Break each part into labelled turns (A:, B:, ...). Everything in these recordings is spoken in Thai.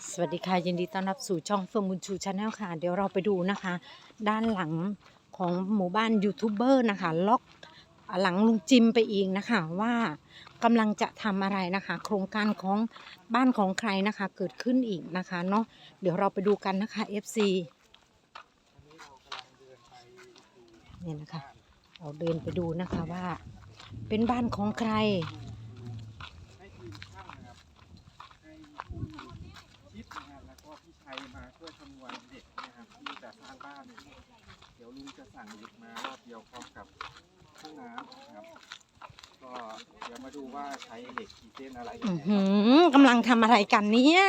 A: สวัสดีค่ะยินดีต้อนรับสู่ช่องเฟิร์มบุญชูชาแนลค่ะเดี๋ยวเราไปดูนะคะ ด้านหลังของหมู่บ้านยูทูบเบอร์นะคะล็อกหลังลุงจิมไปอีกนะคะว่ากำลังจะทำอะไรนะคะ โครงการของบ้านของใครนะคะเกิดขึ้นอีกนะคะเนาะเดี๋ยวเราไปดูกันนะคะ FC เนี่ยนะคะเราเดินไปดูนะคะว่าเป็นบ้านของใคร
B: ให้ทีมช่างนะครับให้ผู้คิดนะครับแล้วก็พี่ชัยมาช่วยคำนวณเด็กนะครับที่จะสร้างบ้านเดี๋ยวลุงจะสั่งเด็กมารอบเดียวพร้อมกับห้องน้ำนะครับก็เดี๋ยวมาดูว่าใช้เหล็กกี่เส้นอะไรยังไง
A: กำลังทำอะไรกันเนี่ย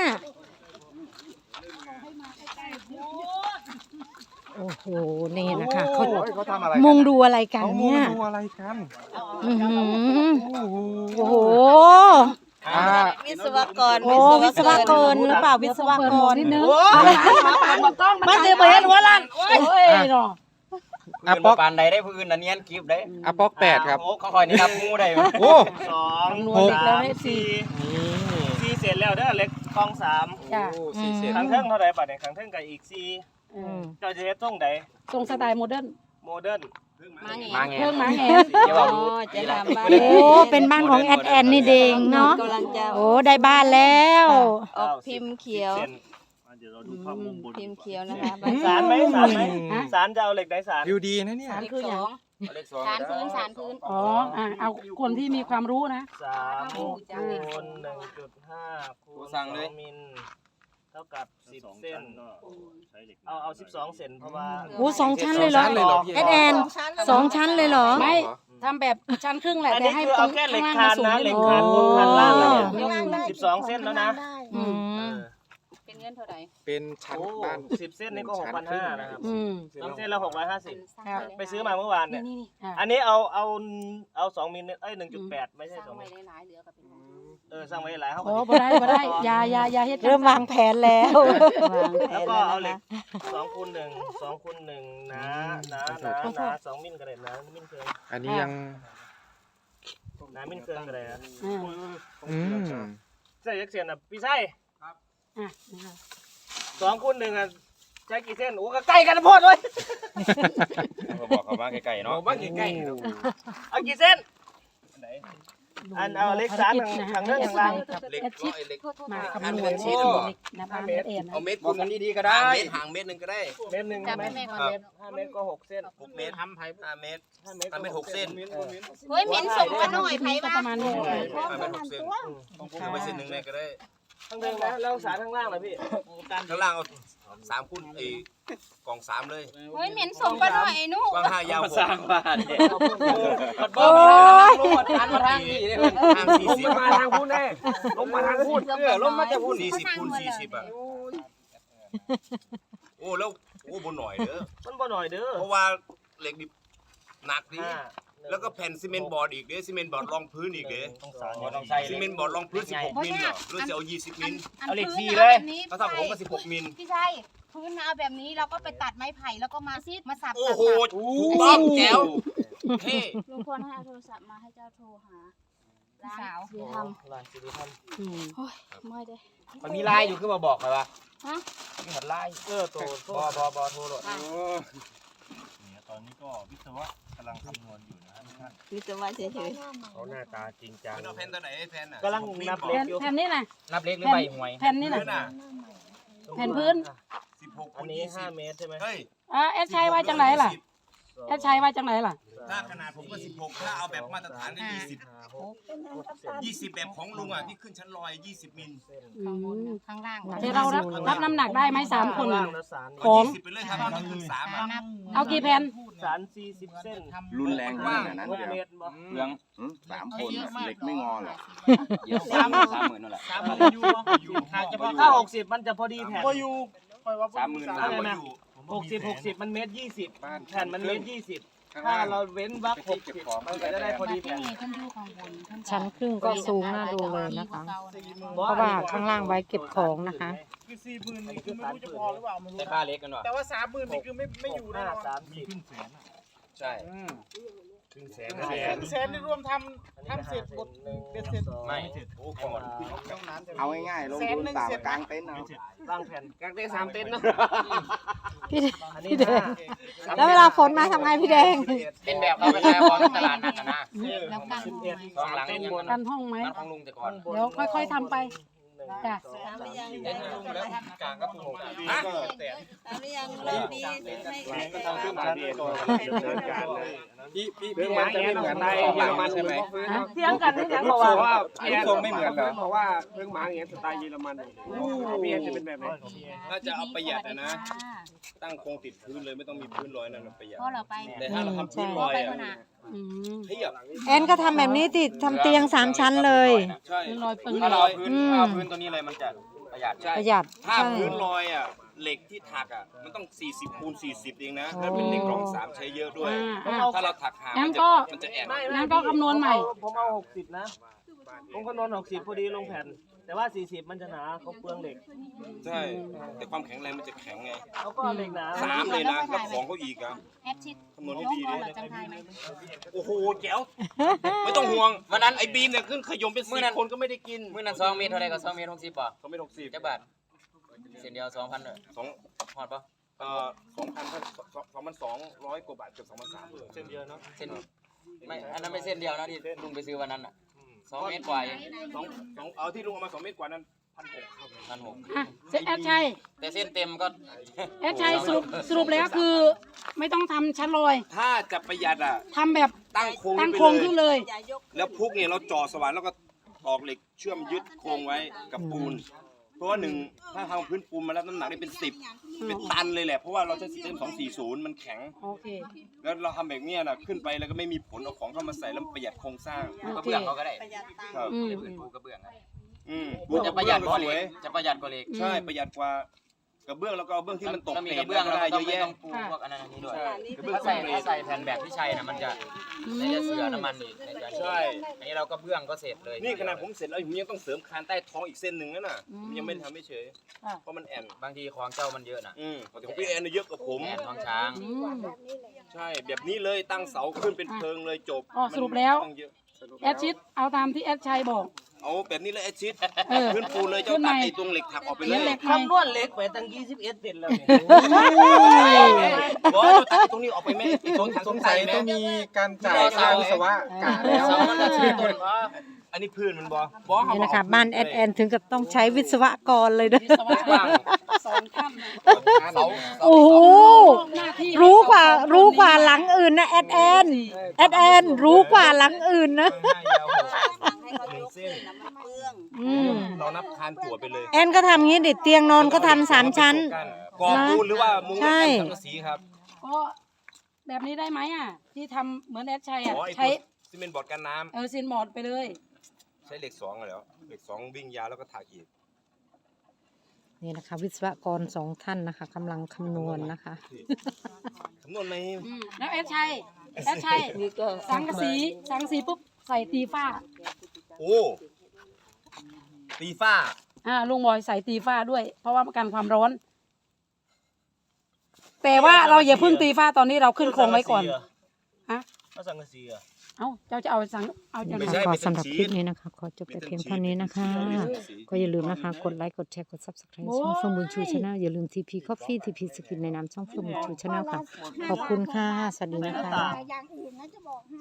A: โอ้โหนี่นะคะเขา
B: เขาทำอะไร
A: มุงดูอะไรกัน
B: เขามุง
A: เนี่ย
B: ดูอะไรกัน
A: อื้อหือ
B: โอ้โห
A: โอ้โห
C: วิศวกร
A: โอ้วิศวกรหรือเปล่าวิศวกรนิดนึง
C: มันจะไปเห็นหัวล้านโอ้ยเนาะ
D: อ่ะป๊อกปานใดได้พื้นอันเนียนกิฟได้
B: อ่ะป๊อก8ครับ
D: โอ้เขาคอยนี่นับงูได้ไหม
B: โอ้
E: สอง
A: 6
E: สามสี่สี่เสร็จแล้วเด้อเล็กกองสาม
A: จ้ะ
B: สี่เส้น
E: ครั้งเทิงเท่าไหร่ปัดเนี่ยครั้งเทิงกับอีกสี่
A: อืม
E: เจ้าจะเฮ็ดตรงใด
C: ทรงสไตล์โมเดิร์น
E: โมเดิร์น
D: มาไง
C: เครื่องหมาแหน
D: เดี๋ยวเราดู
C: จะทำบ้าน
A: โอ้เป็นบ้านของแอดแอนนี่เองเนาะ
C: กำลังจะ
A: โอ้ได้บ้านแล้ว
C: ออกพิมพ์เขียว
E: 10 เส้นเดี๋ยวเราดูภาพมุมบน
C: พิมพ์เขียวนะคะ
E: สารไหมสารไหมสารจะเอาเหล็กไหนสาร
B: วิวดีนะเนี่ย
C: คืออย่าง
D: เลขสอง
F: สารพื้นสารพื้น
C: อ๋อเอาคนที่มีความรู้นะ
E: 3คูณ 1.5 คูณ2มิลเท่ากับ10 เส้นเอา12 เส้นเพราะว่า
A: โอ้2 ชั้นเลยเหรอแอดแอน2 ชั้นเลยเหรอ
C: ไม่ทำแบบชั้นครึ่งแหละ
E: อัน
C: แต่
E: นี้
C: ให้
E: คือ
C: ตร
E: เอา
C: ง
E: แค่เหล็ก
C: ข้าง
E: คาน
C: ล่าง
E: นะเหล็ก
C: สู
E: คาน
C: ง
E: บนคานล่างเนี่ย
F: 12
E: เส้นแล้วนะ
A: อืม
F: เป็นเงินเท่าไหร่
B: เป็นชั้น
E: โอ้
B: บ้าน
E: 10 เส้นนี่ก็ 6,500นะครับ
C: อืม
E: 2 เส้นละ650
C: ครับ
E: ไปซื้อมาเมื่อวานเนี่ย
F: นี่
E: อันนี้เอา2 มิลเอ้ย 1.8 ไม่ใช่
F: สร้าง
E: 2 มิ
F: ไว้
E: ล
F: หลายๆเหลือก็เป็น
E: สร้างไว้หลายเขา
C: โอ้บ่ได้อย่าเฮ็ด
A: เริ่มวางแผนแล้ว
E: แล้วก็เอาเหล็ก2คูณ1 2คูณ1นะ2มิลก็ได้นะมิลเกิน
B: อันนี้ยัง
E: นะมิลเกินก็ได้นะ
B: อืม
E: ใช่ยักษ์เสียนอ่ะพี่ไส้
C: อ่ะ
E: 2คูณ1อ่ะใช้กี่เส้นโอ้ก็ใกล้กันนะพ่อเลย
D: เขาบอกเขามาไกลๆเนาะ
B: บ้านใกล้
E: เอากี่เส้นอันเอาเหล็กสารทางเรื่องทางล่าง
D: เล็กก็ไอ้เล็ก
C: มาคำนวณ
D: ชีสบอก
C: นะบ้านเอ็นนะ
D: เอาเม็ดคุณกันดีๆก็ได้ห่างเม็ดหนึ่งก็ได้
E: เมตรหนึ่ง
F: จับ
E: ไหม
F: ให้แม่ก่อน
E: 5 เมตรก็6 เส้น
D: 6 เมตร5 เมตร
E: 5 เมตร
D: 5 เมตร6 เส้น
F: เฮ้ยเหม็นส่งมาหน่อยไผ
C: ก็
F: ว่า
C: ประมาณนี้
D: 5 เมตร6 เส้นเอาไปเส้นหนึ่งเลยก็ได้
E: ข้างเดิมนะแล้วสารข้างล่างล่ะพี่
D: ข้างล่างเอา3คูณไอ้กล่อง3เลย
F: เฮ้ยเหม็นส่งมาหน่อยไอ้หนู
D: กว้าง5ยาว6สร้างบ้านเนี่ย
A: โอ้ย
D: อันมาทางนี้ได้มันทาง40มาทางพูดแน่ลงมาทางพูดลงมาจะพูด40คูณ40อ่ะโอ้แล้วโอ้บนหน่อยเด้อ
E: มันบ่หน่อยเด้อ
D: เพราะว่าเหล็กดิบหนักดิ
E: 5
D: แล้วก็แผ่นซีเมนต์บอร์ดอีกเด้ซีเมนต์บอร์ดรองพื้นอีกเด้
E: ต้องใส่
D: ซีเมนต์บอร์ดรองพื้น16มิลเหรอหรือจะเอา20มิล
E: เอาเหล็ก
F: พื้น
E: สี่
F: น่ะ
E: เลย
F: แบบนี้
D: ก็ถ้าผมก็16มิล
F: พี่ชัยพื้นน่ะเอาแบบนี้เราก็ไปตัดไม้ไผ่แล้วก็มาสับ
D: โอ้โหถูกต้องแจ๋วเท่
F: ลุงพลให้เอาโทรศัพท์มาให้เจ้าโทรหาสาวสิท
E: ลายสิริธรรม
F: ำโอ้ยเมื่อยเด้
D: มันมีลายอยู่ขึ้นมาบอกไหมวะ
F: ฮะ
D: มีหัดลาย
E: โต
D: บอโทรโหลด
E: ตอนนี้ก็วิศวะกำลังคำนวณอยู่นะท่าน
C: วิศวะเฉย
E: เขาหน้าตาจริงจัง
D: เป็นเอาแผ่นตัวไหนแผ่นอ่ะ
E: กำลังนับ
C: ๆ
E: เล็
C: แผ่
E: ก
C: น
E: อยู่
C: แผ่นนี้นะ
D: นับเล็กหรือใบหวย
C: แผ่นนี้
D: พื้
C: นะ
D: นอ่ะ
C: แผ่นพื้น
D: 16
E: อั
D: คู
E: น
D: ณ
E: นี้
D: 20
E: 5 เมตรใช่ไหม
D: เฮ้ย
C: แอดชัยว่าจังไหนล่ะแอดชัยว่าจังไหนล่ะ
D: ถ้าขนาดผมก็16ถ้าเอาแบบมาตรฐานก็20แบบของลุงอ่ะที่ขึ้นชั้นลอย20มิล
F: ข้างบนน่ะข้างล่าง
C: เดี๋ยวเรารับน้ำหนักได้ไหม3 คน
E: ล่า
C: น่ะ
E: งแล้วสาร
C: ของ
D: 20ไปเลยถ้ามันขึ้น3อ่ะ
F: นับ
C: เอากี่แผ่น
E: สาร40 เส้น
G: รุนแรงขนาดนั้น
E: 6 เม
G: เดียว
E: ตรบ่
G: เรื่อง3 คนน่ะเหล็กไม่งอหรอก
D: เดี๋ยว30,000นั่นแหละ
E: ถ้า60มันจะพอดีแผ่น
D: 30,000
E: อะไรนะ60 มันเมตร20แผ่นมันเมตร20ถ้าเราเว้นวรรค60มันก็จะได้พอดี
F: ที่
E: แผ่น
F: นี่ท่านอยู่ข้างบนท่าน
A: ชั้นครึ่งก็สูงน่าดูเลยนะคะ เพราะว่าข้างล่างไว้เก็บของนะคะ
E: คือ40,000นี่คือไม่รู้จะพอหรือเปล่าไม่รู้
D: แต่ค่าเล็กกันวะ
E: แต่ว่า30,000นี่คือไม่อยู่แน่นอน30
D: ใช่
E: ครึ่งแสน
B: แสนนี่รวมทำเสร็จหมดเป็นเสร็จ
E: ไม่โอ้ก่อน
G: เอาง่ายๆลงทุนต่างกลางเต็นท์เอา
E: ร่างแผ่น
B: กางเต็นท์3 เต็นท์เนาะ
A: พี่
E: อันนี้
A: พี่แดงแล้วเวลาฝนมาทำไงพี่แดง
C: เป็นแบบเราเป็นแบบของตลาดนัดนะ
F: แล้วกัน
C: สองหลังยัง
A: กันห้องไหม
C: นัดของลุงแต่ก่อน
A: เดี๋ยวค่อยๆทำไปจ้ะ
B: เต็นท์ลุงแล้วกลางก็ถูก
C: ฮะ
B: ทำขึ้นมาดีก่อนพี่แอนจะไม่เหมือนในเยอรมันใช่ไหม
A: เที่ยงกันที่ยังบอก
B: เพ
A: ว่า
B: ราะว่าพี่แอนทรงไม่เหมือนเหรอเพราะว่าเพิ่งมาอย่างเงี้ยสไตล์เยอรมันพี่แอนจะเป็นแบบไหน
D: ถ้าจะเอาประหยัดนะ ตั้งโครงติดพื้นเลยไม่ต้องมีพื้นลอยนั่นมันประหยัด
F: พ่อเราไป
D: แต่ถ้าเราทำพื้นล
F: พ่อ
D: อย
F: ไป
D: อ่ะ
F: คนน่ะ
A: อืม
D: เทียบ
A: แอนก็ทำแบบนี้ติทำเตียง3 ชั้นเลย
D: ใช่
A: ลอยปึง
D: ถ้าเรา
A: อืม
D: เอาพื้นตัวนี้เลยมันจะประหยัดใช่
A: ประหยัด
D: ถ้า
A: ใช่
D: พื้นลอยอ่ะเหล็กที่ถักอ่ะมันต้อง40 คูณ 40เองนะแล้วเป็นเหล็กรอง3ใช้เยอะด้วย ถ้าเราถักหาง
A: งั้
D: มัน น
A: ก็
D: จะแอน
A: งั้นก็คำนวณใหม่
E: ผมเอา60นะผมคำนวณ60พอดีลงแผ่น แต่ว่า40มันจะหนาเขาเปลืองเหล็ก
D: ใช่ แต่ความแข็งแรงมันจะแข็งไง
E: เขาก็เหล็กหนา
D: 3เลยนะแล้วของเขาอีกอ่ะ
F: แอดชิด
D: คำนวณให้
F: น้อง
D: ดี
F: พ่อ
D: ดิ
F: เราจำทายไหม
D: โอ้โหแจ๋วไม่ต้องห่วงวันนั้นไอ้บีมเนี่ยขึ้นขยมเป็น10 คนก็ไม่ได้กิน
C: มื้อนั้น2 เมตรเท่าไรก็2 เมตร 60ป่ะ
D: เขาไม่60
C: จักบาทเส้นเดียว 2,000เด้อ
D: สอง
C: ฮอดป่ะ
D: 2,200 กว่าบาทเกือบ2,300
E: เส้นเดียวเนาะ
C: เส้นไม่อันนั้นไม่เส้นเดียวนะที่ลุงไปซื้อวันนั้นน่ะ2 เมตรกว่าเอง
D: เอาที่ลุงเอามา2 เมตรกว่านั้น
C: 1,600
A: อ่ะแอดชัย
C: แต่เส้นเต็มก็
A: แอดชัยสรุปแล้วคือ ไม่ต้องทำชั้นลอย
D: ถ้าจะประหยัดอ่ะ
A: ทำแบบ
D: ตั้งโครง
A: ตั้ง
D: ไป
A: โครง
D: เล
A: ขึ้
D: ย
A: นเลย
D: แล้วพุกเนี่ยเราจ่อสว่านแล้วก็ตอกเหล็กเชื่อมยึดโครงไว้กับปูน เพราะว่าหนึ่งถ้าทำพื้นปูนมาแล้วน้ำหนักได้เป็น10เป็นตันเลยแหละเพราะว่าเราใช้ซิสเต็ม240มันแข็ง
A: โอเค
D: แล้วเราทำแบบเนี้ยนะขึ้นไปแล้วก็ไม่มีผลเอาของเข้ามาใส่แล้วประหยัดโครงสร้าง
A: โอ
C: ก็
A: เค
C: เบื้องเขาก็ได้
D: ครับ
A: อืม
C: พื้นปูกระเบื้องอะ
D: ปู
C: จะประหยัดกว่า
D: ส
C: เห
D: ว
C: ล็
D: ย
C: กจะประหยัดกว่าเหล็ก
D: ใช่ประหยัดกว่ากระเบื้องแล้วก็เอาเบื้องที่มันตก
C: ถ้ามี
D: เศ
C: ก
D: ษ
C: ระเบื้อง
D: ก็
C: แล้ว
D: ได้
C: ก็
D: เย
C: ต้องไม่
D: อะแยะ
C: ต้องปูพวกอันนั้นอันนี้ด้วย
D: ใช่
C: ถ้าใส่แผ่นแบบที่ใช้น่ะมันจะในจะเสือน้ำมันอีกในจะ
D: ใช่
C: อันนี้เราก็เบื้องก็เสร็จเลย
D: นี่ขนาดผมเสร็จแล้วผมยังต้องเสริมคานใต้ท้องอีกเส้นหนึ่งนั่นน่ะผมยังไม่ได้ทำไม่เฉย
A: อ่ะ
D: เพราะมันแอน
C: บางทีของเจ้ามันเยอะนะ
D: แต่ของพี่แอนเยอะกว่าผม
C: แอนท้องช้าง
A: อืม
D: ใช่แบบนี้เลยตั้งเสาขึ้นเป็นเพลิงเลยจบ
A: อ๋อสรุปแล้ว
D: มันเยอะ
A: แอดชิดเอาตามที่แอดชัยบอก
D: เอาแบบนี้เลยไอ้ชิด
A: เออ
D: พื้นปูนเลยเจ้า
A: ขึ้น
D: ตั
A: ให
D: ด
A: ม่
D: ไอ้ตรงเหล็กถักออกไปเล
A: เขีย
D: ย
A: นเหล็กใหม่
E: คำนวณเหล็กไปตั้ง21เซนแล้วเนี่ย
D: บอกว่าเจ้าตัดไอ้ตรงนี้ออกไปไหมไอ้ตรงถัง
B: สงสัยต้องมีการจ่ายค่าวิศวะกะแล้ว
C: เสามันจะซื้อต้น
D: อันนี้พื้นมันบอก
A: นี่นะคะบ้านแอดแอนถึงกับต้องใช้วิศวกรเลยเด้อ
D: ว่าง
B: เสา
A: โอ้โหรู้กว่าหลังอื่นนะแอดแอนรู้กว่าหลังอื่นนะ อืม
D: เรานับคานจั่วไปเลย
A: แอนก็ทำงี้ดิเตียงนอนก็ทำ3 ชั้น
D: ก่อปูนหรือว่ามุ้ง
A: ใช่
D: สังกะสีครับ
A: ก็แบบนี้ได้ไหมอ่ะ ที่ทำเหมือนแอดชัยอ่ะ
D: อ๋อไอ้
A: ใช้
D: ซีเมนต์บอร์ดกันน้
A: ซินบอร์ดไปเลย
D: ำใช้เหล็ก2อะเหรอเหล็ก2วิ่งยาวแล้วก็ถักอีก
A: นี่นะคะ วิศวกร2 ท่านนะคะกำลังคำนวณนะคะ
D: คำนวณไหม
A: แล้วแอดชัยสังกะสีปุ๊บใส่ตีฟ้า
D: โอ้ตีฟ้า
A: ลุงบอยใส่ตีฟ้าด้วย เพราะว่ากันความร้อน แต่ว่าเราอย่าเพิ่งตีฟ้าตอนนี้เราขึ้นโครงไว้ก่อนฮะ
E: เอาสังกะสีเหรอ
A: เจ้าจะเอาจะ
D: ไม่ใช่
A: ขอ
D: ไม่ใช่
A: สำหรับคลิปนี้นะคะ ขอจบแต่เพียงเท่านี้นะคะ ก็อย่าลืมนะคะ กดไลค์ กดแชร์ กด Subscribe ช่องเฟิร์มบุญชูชาแนลอย่าลืม TP Coffee TP Skin ในนามช่องเฟิร์มบุญชูชาแนลค่ะ ขอบคุณค่ะ สวัสดีนะคะ
F: อย่างอื่นนะจะบอกให้